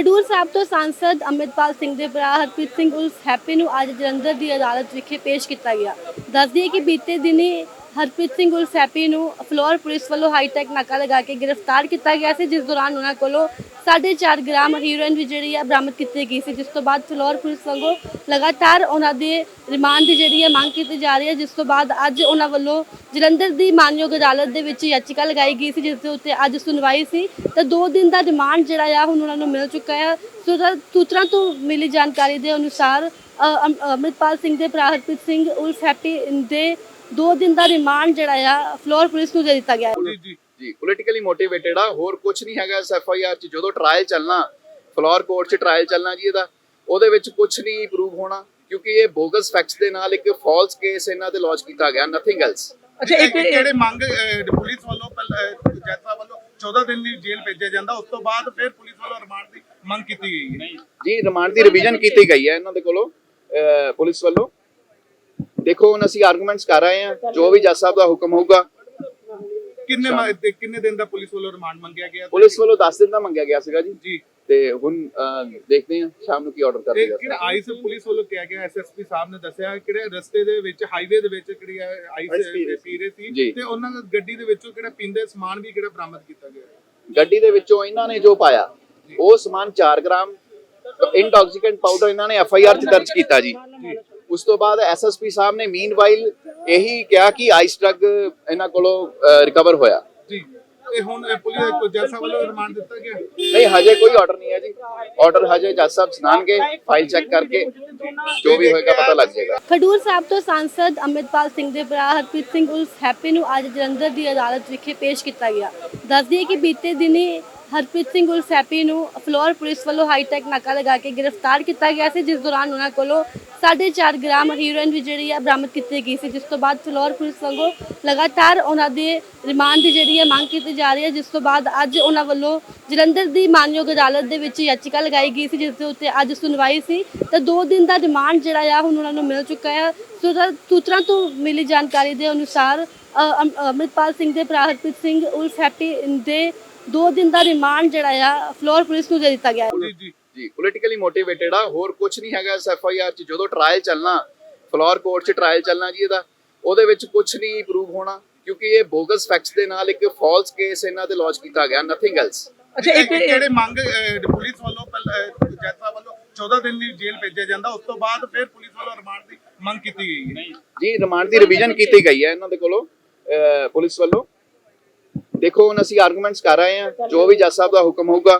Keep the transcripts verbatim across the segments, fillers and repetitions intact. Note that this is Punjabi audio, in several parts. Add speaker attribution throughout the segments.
Speaker 1: ਖਡੂਰ ਸਾਹਿਬ ਤੋਂ ਸਾਂਸਦ ਅੰਮ੍ਰਿਤਪਾਲ ਸਿੰਘ ਦੇ ਭਰਾ ਹਰਪ੍ਰੀਤ ਸਿੰਘ ਉਰਫ ਹੈਪੀ ਨੂੰ ਅੱਜ ਜਲੰਧਰ ਦੀ ਅਦਾਲਤ ਵਿਖੇ ਪੇਸ਼ ਕੀਤਾ ਗਿਆ। ਦੱਸ ਦਈਏ ਕਿ ਬੀਤੇ ਦਿਨੀ ਹਰਪ੍ਰੀਤ ਸਿੰਘ ਉਰਫ ਹੈਪੀ ਨੂੰ ਫਲੋਰ ਪੁਲਿਸ ਵੱਲੋਂ ਹਾਈਟੈਕ ਨਾਕਾ ਲਗਾ ਕੇ ਗ੍ਰਿਫਤਾਰ ਕੀਤਾ ਗਿਆ ਸੀ, ਜਿਸ ਦੌਰਾਨ ਉਹਨਾਂ ਕੋਲੋਂ ਸਾਢੇ ਚਾਰ ਗ੍ਰਾਮ ਹੀਰੋਇਨ ਵੀ ਜਿਹੜੀ ਹੈ ਬਰਾਮਦ ਕੀਤੀ ਗਈ ਸੀ, ਜਿਸ ਤੋਂ ਬਾਅਦ ਫਲੋਰ ਪੁਲਿਸ ਵੱਲੋਂ ਲਗਾਤਾਰ ਉਹਨਾਂ ਦੇ ਰਿਮਾਂਡ ਦੀ ਜਿਹੜੀ ਹੈ ਮੰਗ ਕੀਤੀ ਜਾ ਰਹੀ ਹੈ। ਜਿਸ ਤੋਂ ਬਾਅਦ ਅੱਜ ਉਹਨਾਂ ਵੱਲੋਂ ਜਲੰਧਰ ਦੀ ਮਾਨਯੋਗ ਅਦਾਲਤ ਦੇ ਵਿੱਚ ਯਾਚਿਕਾ ਲਗਾਈ ਗਈ ਸੀ, ਜਿਸ ਦੇ ਉੱਤੇ ਅੱਜ ਸੁਣਵਾਈ ਸੀ ਤਾਂ ਦੋ ਦਿਨ ਦਾ ਰਿਮਾਂਡ ਜਿਹੜਾ ਆ ਹੁਣ ਉਹਨਾਂ ਨੂੰ ਮਿਲ ਚੁੱਕਾ ਹੈ। ਸੂਤਰਾਂ ਤੋਂ ਮਿਲੀ ਜਾਣਕਾਰੀ ਦੇ ਅਨੁਸਾਰ ਅੰਮ੍ਰਿਤਪਾਲ ਸਿੰਘ ਦੇ ਭਰਾ ਹਰਪ੍ਰੀਤ ਸਿੰਘ ਉਰਫ ਹੈਪੀ ਦੇ ਦੋ ਦਿਨ ਦਾ ਰਿਮਾਂਡ ਜਿਹੜਾ ਆ ਫਲੋਰ ਪੁਲਿਸ ਨੂੰ ਦੇ ਦਿੱਤਾ ਗਿਆ ਹੈ।
Speaker 2: ਜੀ ਜੀ ਪੋਲੀਟੀਕਲੀ ਮੋਟੀਵੇਟਡ ਆ, ਹੋਰ ਕੁਝ ਨਹੀਂ ਹੈਗਾ। ਇਸ ਐਫ ਆਈ ਆਰ ਚ ਜਦੋਂ ਟ੍ਰਾਇਲ ਚੱਲਣਾ, ਫਲੋਰ ਕੋਰਟ ਚ ਟ੍ਰਾਇਲ ਚੱਲਣਾ ਜੀ, ਇਹਦਾ ਉਹਦੇ ਵਿੱਚ ਕੁਝ ਨਹੀਂ ਪ੍ਰੂਵ ਹੋਣਾ, ਕਿਉਂਕਿ ਇਹ ਬੋਗਸ ਫੈਕਟਸ ਦੇ ਨਾਲ ਇੱਕ ਫਾਲਸ ਕੇਸ ਇਹਨਾਂ ਤੇ ਲਾਂਚ ਕੀਤਾ ਗਿਆ, ਨਥਿੰਗ ਐਲਸ।
Speaker 3: ਅੱਛਾ, ਇੱਕ ਜਿਹੜੇ ਮੰਗ ਪੁਲਿਸ ਵੱਲੋਂ ਜੱਜ ਵੱਲੋਂ ਚੌਦਾਂ ਦਿਨ ਦੀ ਜੇਲ੍ਹ ਭੇਜਿਆ ਜਾਂਦਾ, ਉਸ ਤੋਂ ਬਾਅਦ ਫਿਰ ਪੁਲਿਸ ਵੱਲੋਂ ਰਿਮਾਂਡ ਦੀ ਮੰਗ ਕੀਤੀ ਗਈ ਹੈ
Speaker 2: ਜੀ। ਰਿਮਾਂਡ ਦੀ ਰਿਵੀਜ਼ਨ ਕੀਤੀ ਗਈ ਹੈ ਇਹਨਾਂ ਦੇ ਕੋਲੋਂ ਪੁਲਿਸ ਵੱਲੋਂ। ਦੇਖੋ ਹੁਣ ਅਸੀਂ ਆਰਗੂਮੈਂਟਸ ਕਰ ਰਹੇ ਹਾਂ, ਜੋ ਵੀ ਜੱਜ ਸਾਹਿਬ ਦਾ ਹੁਕਮ ਹੋਊਗਾ।
Speaker 3: ਕਿੰਨੇ ਕਿੰਨੇ ਦਿਨ ਦਾ ਪੁਲਿਸ ਵੱਲੋਂ ਰਿਮਾਂਡ ਮੰਗਿਆ ਗਿਆ?
Speaker 2: ਪੁਲਿਸ ਵੱਲੋਂ ਦਸ ਦਿਨ ਦਾ ਮੰਗਿਆ ਗਿਆ ਸੀਗਾ ਜੀ
Speaker 3: ਜੀ
Speaker 2: ਤੇ ਹੁਣ ਦੇਖਦੇ ਹਾਂ ਸ਼ਾਮ ਨੂੰ ਕੀ ਆਰਡਰ ਕਰਦੇ ਆ।
Speaker 3: ਕਿਹੜਾ ਆਈਸ ਪੁਲਿਸ ਵੱਲੋਂ ਕਿਹਾ ਗਿਆ, ਐਸ ਐਸ ਪੀ ਸਾਹਿਬ ਨੇ ਦੱਸਿਆ ਕਿਹੜੇ ਰਸਤੇ ਦੇ ਵਿੱਚ ਹਾਈਵੇ ਦੇ ਵਿੱਚ ਕਿਹੜੀ ਆਈਸ ਪੀ ਰਹੇ ਸੀ ਤੇ ਉਹਨਾਂ ਦੀ ਗੱਡੀ ਦੇ ਵਿੱਚੋਂ ਕਿਹੜਾ ਪੀਂਦੇ ਸਮਾਨ ਵੀ ਕਿਹੜਾ ਬਰਾਮਦ ਕੀਤਾ ਗਿਆ।
Speaker 2: ਗੱਡੀ ਦੇ ਵਿੱਚੋਂ ਇਹਨਾਂ ਨੇ ਜੋ ਪਾਇਆ ਉਹ ਸਮਾਨ ਚਾਰ ਗ੍ਰਾਮ ਇੰਟੌਕਸੀਕੈਂਟ ਪਾਊਡਰ ਇਹਨਾਂ ਨੇ ਐਫ ਆਈ ਆਰ ਚ ਦਰਜ ਕੀਤਾ ਜੀ। ਉਸ ਤੋਂ ਬਾਅਦ ਐਸ ਐਸ ਪੀ ਸਾਹਿਬ ਨੇ ਮੀਨਵਾਈਲ ਇਹੀ ਕਿਹਾ ਕਿ ਆਈਸ ਡਰੱਗ ਇਹਨਾਂ ਕੋਲੋਂ ਰਿਕਵਰ ਹੋਇਆ
Speaker 3: ਜੀ। ਤੇ ਹੁਣ ਪੁਲਿਸ ਕੋ ਜੱਜ ਸਾਹਿਬ ਵੱਲੋਂ ਰਿਮਾਂਡ ਦਿੱਤਾ ਗਿਆ?
Speaker 2: ਨਹੀਂ, ਹਜੇ ਕੋਈ ਆਰਡਰ ਨਹੀਂ ਹੈ ਜੀ। ਆਰਡਰ ਹਜੇ ਜੱਜ ਸਾਹਿਬ ਸੁਣਾਣਗੇ, ਫਾਈਲ ਚੈੱਕ ਕਰਕੇ ਜੋ ਵੀ ਹੋਏਗਾ ਪਤਾ ਲੱਗ ਜਾਏਗਾ।
Speaker 1: ਖਡੂਰ ਸਾਹਿਬ ਤੋਂ ਸਾਂਸਦ ਅੰਮ੍ਰਿਤਪਾਲ ਸਿੰਘ ਦੇ ਭਰਾ ਹਰਪ੍ਰੀਤ ਸਿੰਘ ਉਰਫ ਹੈਪੀ ਨੂੰ ਅੱਜ ਜਲੰਧਰ ਦੀ ਅਦਾਲਤ ਵਿਖੇ ਪੇਸ਼ ਕੀਤਾ ਗਿਆ। ਦੱਸ ਦਈਏ ਕਿ ਬੀਤੇ ਦਿਨੀ ਹਰਪ੍ਰੀਤ ਸਿੰਘ ਉਰਫ ਹੈਪੀ ਨੂੰ ਫਲੋਰ ਪੁਲਿਸ ਵੱਲੋਂ ਹਾਈਟੈਕ ਨਾਕਾ ਲਗਾ ਕੇ ਗ੍ਰਿਫਤਾਰ ਕੀਤਾ ਗਿਆ ਸੀ, ਜਿਸ ਦੌਰਾਨ ਉਹਨਾਂ ਕੋਲੋਂ ਸਾਢੇ ਚਾਰ ਗ੍ਰਾਮ ਹੀਰੋਇਨ ਵੀ ਜਿਹੜੀ ਹੈ ਬਰਾਮਦ ਕੀਤੀ ਗਈ ਸੀ, ਜਿਸ ਤੋਂ ਬਾਅਦ ਫਲੋਰ ਪੁਲਿਸ ਵੱਲੋਂ ਲਗਾਤਾਰ ਉਹਨਾਂ ਦੇ ਰਿਮਾਂਡ ਦੀ ਜਿਹੜੀ ਹੈ ਮੰਗ ਕੀਤੀ ਜਾ ਰਹੀ ਹੈ। ਜਿਸ ਤੋਂ ਬਾਅਦ ਅੱਜ ਉਹਨਾਂ ਵੱਲੋਂ ਜਲੰਧਰ ਦੀ ਮਾਨਯੋਗ ਅਦਾਲਤ ਦੇ ਵਿੱਚ ਯਾਚਿਕਾ ਲਗਾਈ ਗਈ ਸੀ, ਜਿਸ ਦੇ ਉੱਤੇ ਅੱਜ ਸੁਣਵਾਈ ਸੀ ਤਾਂ ਦੋ ਦਿਨ ਦਾ ਰਿਮਾਂਡ ਜਿਹੜਾ ਆ ਹੁਣ ਉਹਨਾਂ ਨੂੰ ਮਿਲ ਚੁੱਕਾ ਹੈ। ਸੂਤਰਾਂ ਤੋਂ ਮਿਲੀ ਜਾਣਕਾਰੀ ਦੇ ਅਨੁਸਾਰ ਅੰਮ੍ਰਿਤਪਾਲ ਸਿੰਘ ਦੇ ਭਰਾ ਹਰਪ੍ਰੀਤ ਸਿੰਘ ਉਰਫ ਹੈਪੀ ਦੇ ਦੋ ਦਿਨ ਦਾ ਰਿਮਾਂਡ ਜਿਹੜਾ ਆ ਫਲੋਰ ਪੁਲਿਸ ਨੂੰ ਦੇ ਦਿੱਤਾ ਗਿਆ ਹੈ।
Speaker 3: ਜੀ
Speaker 2: ਜੀ ਪੋਲੀਟੀਕਲੀ ਮੋਟੀਵੇਟਡ ਆ, ਹੋਰ ਕੁਝ ਨਹੀਂ ਹੈਗਾ। ਇਸ ਐਫ ਆਈ ਆਰ ਚ ਜਦੋਂ ਟ੍ਰਾਇਲ ਚੱਲਣਾ, ਫਲੋਰ ਕੋਰਟ ਚ ਟ੍ਰਾਇਲ ਚੱਲਣਾ ਜੀ, ਇਹਦਾ ਉਹਦੇ ਵਿੱਚ ਕੁਝ ਨਹੀਂ ਪ੍ਰੂਵ ਹੋਣਾ, ਕਿਉਂਕਿ ਇਹ ਬੋਗਸ ਫੈਕਟਸ ਦੇ ਨਾਲ ਇੱਕ ਫਾਲਸ ਕੇਸ ਇਹਨਾਂ ਤੇ ਲਾਂਚ ਕੀਤਾ ਗਿਆ, ਨਥਿੰਗ ਐਲਸ।
Speaker 3: ਅੱਛਾ, ਇੱਕ ਜਿਹੜੇ ਮੰਗ ਪੁਲਿਸ ਵੱਲੋਂ ਜੱਜ ਸਾਹਿਬ ਵੱਲੋਂ ਚੌਦਾਂ ਦਿਨ ਦੀ ਜੇਲ੍ਹ ਭੇਜਿਆ ਜਾਂਦਾ, ਉਸ ਤੋਂ ਬਾਅਦ ਫਿਰ ਪੁਲਿਸ ਵੱਲੋਂ ਰਿਮਾਂਡ ਦੀ ਮੰਗ ਕੀਤੀ ਗਈ ਹੈ
Speaker 2: ਜੀ। ਰਿਮਾਂਡ ਦੀ ਰਿਵੀਜ਼ਨ ਕੀਤੀ ਗਈ ਹੈ ਇਹਨਾਂ ਦੇ ਕੋਲੋਂ ਪੁਲਿਸ ਵੱਲੋਂ। ਦੇਖੋ ਹੁਣ ਅਸੀਂ ਆਰਗੂਮੈਂਟਸ ਕਰ ਰਹੇ ਹਾਂ, ਜੋ ਵੀ ਜੱਜ ਸਾਹਿਬ ਦਾ ਹੁਕਮ ਹੋਊਗਾ।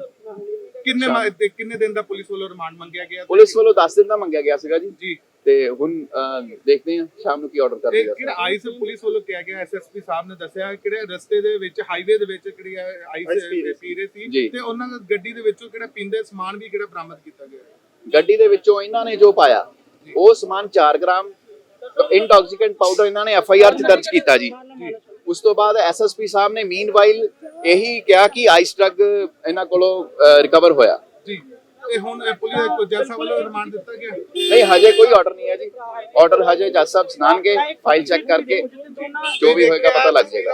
Speaker 3: ਕਿੰਨੇ ਕਿੰਨੇ ਦਿਨ ਦਾ ਪੁਲਿਸ ਵੱਲੋਂ ਰਿਮਾਂਡ ਮੰਗਿਆ ਗਿਆ?
Speaker 2: ਪੁਲਿਸ ਵੱਲੋਂ ਦਸ ਦਿਨ ਦਾ ਮੰਗਿਆ ਗਿਆ ਸੀਗਾ ਜੀ
Speaker 3: ਜੀ
Speaker 2: ਤੇ ਹੁਣ ਦੇਖਦੇ ਹਾਂ ਸ਼ਾਮ ਨੂੰ ਕੀ ਆਰਡਰ ਕਰਦੇ ਆ।
Speaker 3: ਕਿਹੜਾ ਆਈਸ ਪੁਲਿਸ ਵੱਲੋਂ ਕਿਹਾ ਗਿਆ, ਐਸ ਐਸ ਪੀ ਸਾਹਿਬ ਨੇ ਦੱਸਿਆ ਕਿਹੜੇ ਰਸਤੇ ਦੇ ਵਿੱਚ ਹਾਈਵੇ ਦੇ ਵਿੱਚ ਕਿਹੜੀ ਆਈਸ ਪੀ ਰਹੇ ਸੀ ਤੇ ਉਹਨਾਂ ਦੀ ਗੱਡੀ ਦੇ ਵਿੱਚੋਂ ਕਿਹੜਾ ਪੀਂਦੇ ਸਮਾਨ ਵੀ ਕਿਹੜਾ ਬਰਾਮਦ ਕੀਤਾ ਗਿਆ।
Speaker 2: ਗੱਡੀ ਦੇ ਵਿੱਚੋਂ ਇਹਨਾਂ ਨੇ ਜੋ ਪਾਇਆ ਉਹ ਸਮਾਨ ਚਾਰ ਗ੍ਰਾਮ ਇੰਟੌਕਸੀਕੈਂਟ ਪਾਊਡਰ ਇਹਨਾਂ ਨੇ ਐਫ ਆਈ ਆਰ ਚ ਦਰਜ ਕੀਤਾ ਜੀ। ਉਸ ਤੋਂ ਬਾਅਦ ਐਸ ਐਸ ਪੀ ਸਾਹਿਬ ਨੇ ਮੀਨਵਾਈਲ ਇਹੀ ਕਿਹਾ ਕਿ ਆਈਸ ਡਰੱਗ ਇਹਨਾਂ ਕੋਲੋਂ ਰਿਕਵਰ ਹੋਇਆ
Speaker 3: ਜੀ। ਤੇ ਹੁਣ ਪੁਲਿਸ ਕੋ ਜੱਜ ਸਾਹਿਬ ਵੱਲੋਂ ਰਿਮਾਂਡ ਦਿੱਤਾ ਗਿਆ?
Speaker 2: ਨਹੀਂ, ਹਜੇ ਕੋਈ ਆਰਡਰ ਨਹੀਂ ਹੈ ਜੀ। ਆਰਡਰ ਹਜੇ ਜੱਜ ਸਾਹਿਬ ਸੁਣਾਣਗੇ, ਫਾਈਲ ਚੈੱਕ ਕਰਕੇ ਜੋ ਵੀ ਹੋਏਗਾ ਪਤਾ ਲੱਗ ਜਾਏਗਾ।